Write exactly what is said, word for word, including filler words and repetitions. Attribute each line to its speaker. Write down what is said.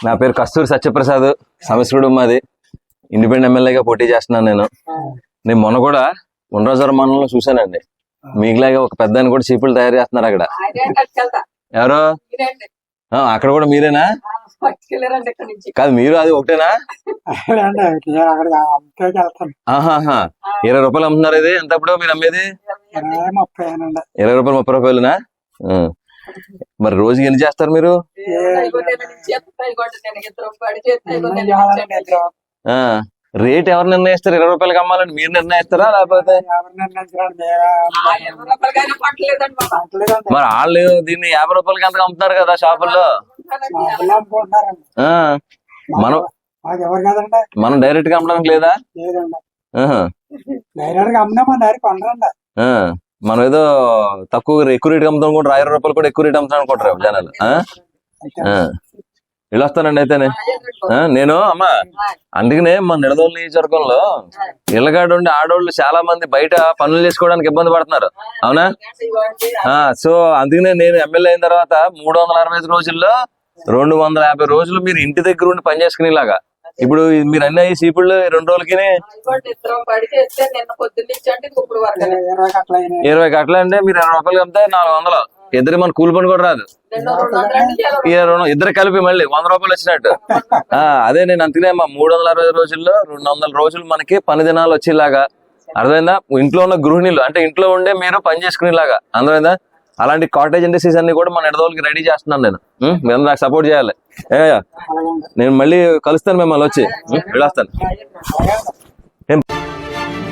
Speaker 1: నా పేరు కస్తూరి సత్యప్రసాద్, సమస్కుడు మాది. ఇండిపెండెంట్ ఎమ్మెల్యేగా పోటీ చేస్తున్నాను నేను. నేను మొన్న కూడా ఉండరాజవరం మండలంలో చూశానండి, మీకులాగా ఒక పెద్ద కూడా చీపులు తయారు చేస్తున్నారు అక్కడ. ఎవరు? అక్కడ కూడా మీరేనా? కాదు, మీరు అది ఒకటేనా? ఆహాహా, ఇరవై రూపాయలు అమ్ముతున్నారు. ఇది ఎంత ఇప్పుడు మీరు అమ్మేది? ఇరవై రూపాయలు ముప్పై రూపాయలునా? మరి రోజుకి ఎన్ని చేస్తారు మీరు? రేట్ ఎవరు నిర్ణయిస్తారు? ఇరవై రూపాయలకి అమ్మాలని మీరు నిర్ణయిస్తారా లేకపోతే మరి వాళ్ళు దీన్ని యాభై రూపాయలకి అంతగా అమ్ముతున్నారు కదా షాపుల్లో? మనం మనం డైరెక్ట్ గా అమ్మడానికి లేదా? మనం ఏదో తక్కువ ఎక్కువ రేట్ అమ్ముతాం అనుకుంటారు, ఇరవై రూపాయలు కూడా ఎక్కువ రేట్ అమ్ముతాం అనుకుంటారు జనాలు. ఇలా వస్తానండి అయితేనే నేను అమ్మా. అందుకనే మా నిడదోలు నియోజకవర్గంలో ఇళ్ళగాడు ఉండి ఆడోళ్ళు చాలా మంది బయట పనులు చేసుకోవడానికి ఇబ్బంది పడుతున్నారు, అవునా? సో అందుకనే నేను ఎమ్మెల్యే అయిన తర్వాత మూడు వందల అరవై ఐదు రోజుల్లో రెండు వందల యాభై రోజులు మీరు ఇంటి దగ్గర ఉండి పని చేసుకునేలాగా. ఇప్పుడు మీరు అన్ని అయ్యి సీపుళ్ళు రెండు రోజులకి ఇరవై కట్టలు అంటే మీరు ఇరవై రూపాయలు అమ్మితే నాలుగు వందలు. ఇద్దరు మన కూలి పని కూడా రాదు, ఇద్దరు కలిపి మళ్ళీ వంద రూపాయలు వచ్చినట్టు. ఆ అదే నేను అందుకనే మా మూడు వందల అరవై రోజుల్లో రెండు వందల రోజులు మనకి పని దినాలు వచ్చేలాగా, అర్థమైందా? ఇంట్లో ఉన్న గృహిణులు అంటే ఇంట్లో ఉండే మీరు పని చేసుకునేలాగా, అర్థమైందా? అలాంటి కాటేజ్ ఇండస్ట్రీస్ అన్ని కూడా మన నిడదోలకి రెడీ చేస్తున్నాను నేను. మీరు నాకు సపోర్ట్ చేయాలి. ఏ నేను మళ్ళీ కలుస్తాను మిమ్మల్ని వచ్చి వెళ్ళొస్తాను.